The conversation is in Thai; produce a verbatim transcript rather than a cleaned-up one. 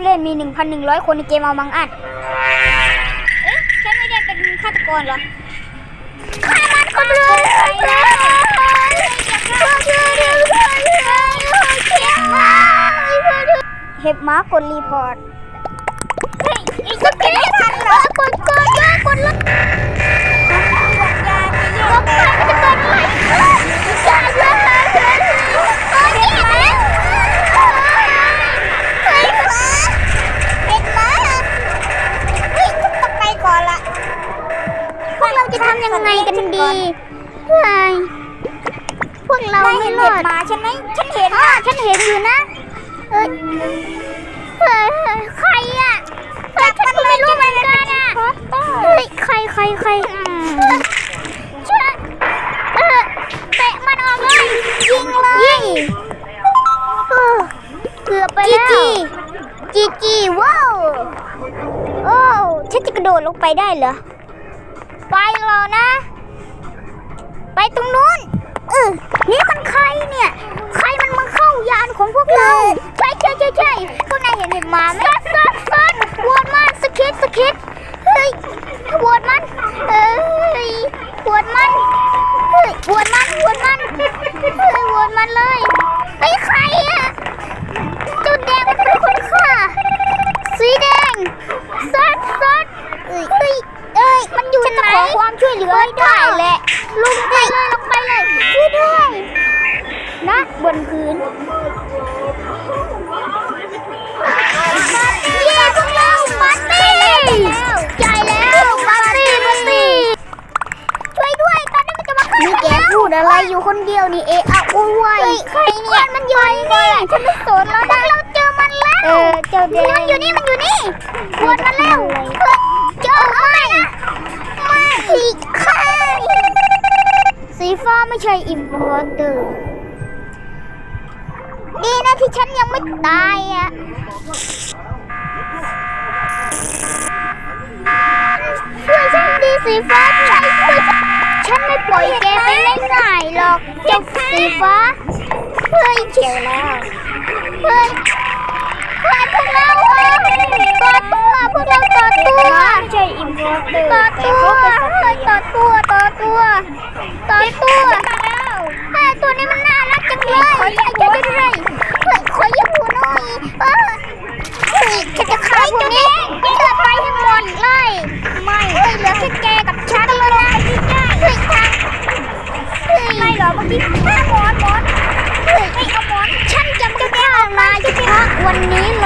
เล่นมี หนึ่งพันหนึ่งร้อย คนในเกมเอามังอัดเอ๊ะฉันไม่ได้เป็นฆาตกรเหรอฆ่ามันก่อนเลยเห็บม้ากดรีพอร์ตเฮ้ยอีกสักแค่ทันเหรอกดกดเลยกดเลยลงไปมันจะเกิดอะไรอย่าอย่าอย่าโอ้ยแย่แล้วเฮ้ยม้าเห็บม้าเฮ้ยต้องไปก่อนละพวกเราจะทำยังไงกันดีเฮ้ยพวกเราไม่รอดมาใช่ไหมฉันเห็นอ่ะฉันเห็นอยู่นะเอ้ยเฮ้ยใครอ่ะเฮ้ยฉันไม่รู้เหมือนกันอ่ะเฮ้ยใครใครใครช่วยเออเตะมันออกเลยยิงเลยยิงเกือบไปแล้วจีจีจีว้าวโอ้ฉันจะกระโดดลงไปได้เหรอไปรอนะไปตรงนู้นเออนี่มันใครเนี่ยใครมันมาเข้ายานของพวกเราใช่ใช่ใช่ใช่พวกนายเห็นเห็นมาไหมซัดซัดซัดวอดมันสกิดสกิดเฮ้ยวอดมันเอ้ยวอดมันเฮ้ยวอดมันวอดมันเฮ้ยวอดมันเลยไอ้ใครอะจุดแดงมันเป็นคนฆ่าสีแดงซัดซัดเอ้ยเอ้ยเอ้ยมันอยู่ไหนขอความช่วยเหลือให้ได้แหละลงไปเลยลงไปเลยช่วยด้วยนะบนพื้นเย้พวกเราปาร์ตี้ใหญ่แล้วปาร์ตี้ปาร์ตี้ช่วยด้วยตอนนี้มันจะมาฆ่านี่แกพูดอะไรอยู่คนเดียวนี่เอะอะโวยวายใครเนี่ยมันอยู่นี่ฉันไม่สนแล้วนะเราเจอมันแล้วเออเจอเด็กมันอยู่นี่มันอยู่นี่ปวดมันแล้วเจอไม่ไม่ค่ะสีฟ้าไม่ใช่อิมพอร์เตอร์ดีนะที่ฉันยังไม่ตายอ่ะช่วยฉันดีสีฟ้าช่วยช่วยฉันไม่ปล่อยแกไปง่ายๆหรอกเจ้าสีฟ้าเฮ้ยเจอแล้วเฮ้ยเฮ้ยพวกเราต่อตัวพวกเราต่อตัวไม่ใช่อิมพอร์เตอร์ต่อตัวเฮ้ยต่อตัวต่อตัวต่อตัวเฮ้ยตัวนี้มันน่ารักจังเลยขออย่าอย่าได้เลยเฮ้ยขออย่าหัวหน่อยเออเฮ้ยฉันจะฆ่าพวกนี้เลือดไปให้หมดเลยไม่เฮ้ยเหลือแค่แกกับฉันแล้วนะเฮ้ยทางเฮ้ยไม่หรอเมื่อกี้หมอนหมอนเฮ้ยไม่เอาหมอนฉันจะไม่ฆ่านายใช่ไหมคะวันนี้เล